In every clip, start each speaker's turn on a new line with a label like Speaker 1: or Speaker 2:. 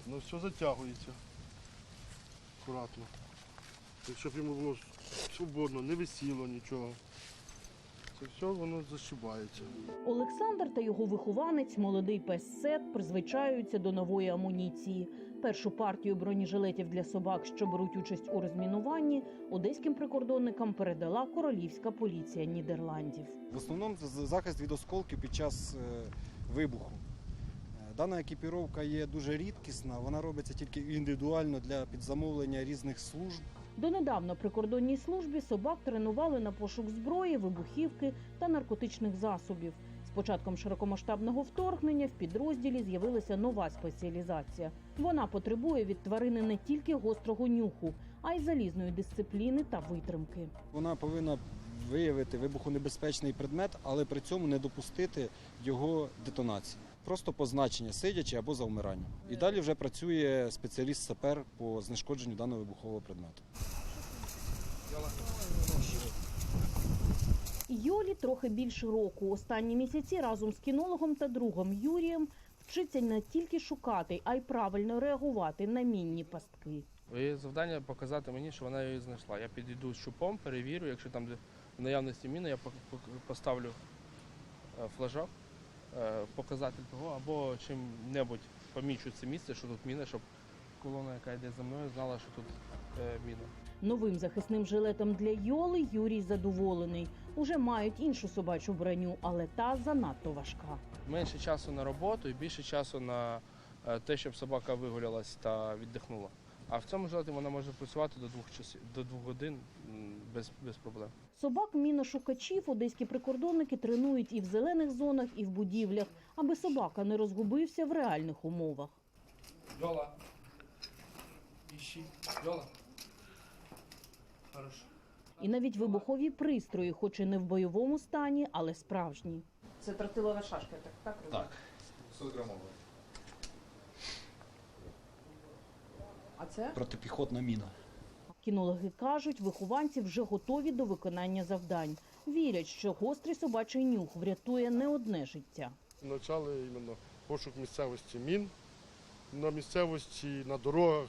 Speaker 1: Воно все затягується. Акуратно. Так, щоб йому було свободно, не висіло нічого. Це все воно зашибається.
Speaker 2: Олександр та його вихованець, молодий пес Сет, призвичаються до нової амуніції. Першу партію бронежилетів для собак, що беруть участь у розмінуванні, одеським прикордонникам передала королівська поліція Нідерландів.
Speaker 3: В основному це захист від осколків під час вибуху. Дана екіпіровка є дуже рідкісна, вона робиться тільки індивідуально для підзамовлення різних служб.
Speaker 2: Донедавна прикордонній службі собак тренували на пошук зброї, вибухівки та наркотичних засобів. З початком широкомасштабного вторгнення в підрозділі з'явилася нова спеціалізація. Вона потребує від тварини не тільки гострого нюху, а й залізної дисципліни та витримки.
Speaker 3: Вона повинна виявити вибухонебезпечний предмет, але при цьому не допустити його детонації. Просто позначення, сидячи або завмирання. І далі вже працює спеціаліст-сапер по знешкодженню даного вибухового предмету.
Speaker 2: Йолі трохи більше року. Останні місяці разом з кінологом та другом Юрієм вчиться не тільки шукати, а й правильно реагувати на мінні пастки.
Speaker 4: Її завдання показати мені, що вона її знайшла. Я підійду з щупом, перевірю, якщо там в наявності міни, я поставлю флажок, показатель того, або чим-небудь помічу це місце, що тут міна, щоб колона, яка йде за мною, знала, що тут міна.
Speaker 2: Новим захисним жилетом для Йоли Юрій задоволений. Уже мають іншу собачу броню, але та занадто важка.
Speaker 4: Менше часу на роботу і більше часу на те, щоб собака вигулялась та віддихнула. А в цьому жилеті вона може працювати до 2 годин без проблем.
Speaker 2: Собак-міношукачів одеські прикордонники тренують і в зелених зонах, і в будівлях, аби собака не розгубився в реальних умовах.
Speaker 4: Йола, іщи, Йола. Хорошо.
Speaker 2: І навіть вибухові пристрої, хоч і не в бойовому стані, але справжні. Це тротилова шашка, так?
Speaker 5: Так, 100 грамова.
Speaker 2: А це?
Speaker 3: Протипіхотна міна.
Speaker 2: Кінологи кажуть, вихованці вже готові до виконання завдань. Вірять, що гострий собачий нюх врятує не одне життя.
Speaker 1: Почали іменно пошук місцевості мін, на місцевості, на дорогах.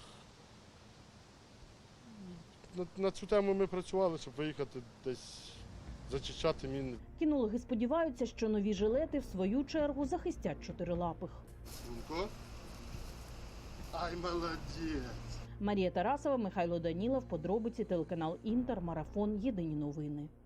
Speaker 1: На цю тему ми працювали, щоб виїхати десь зачищати міни.
Speaker 2: Кінологи сподіваються, що нові жилети в свою чергу захистять чотирилапих.
Speaker 1: Лунко? Ай, молодець!
Speaker 2: Марія Тарасова, Михайло Данілов, подробиці, телеканал Інтер, Марафон, Єдині новини.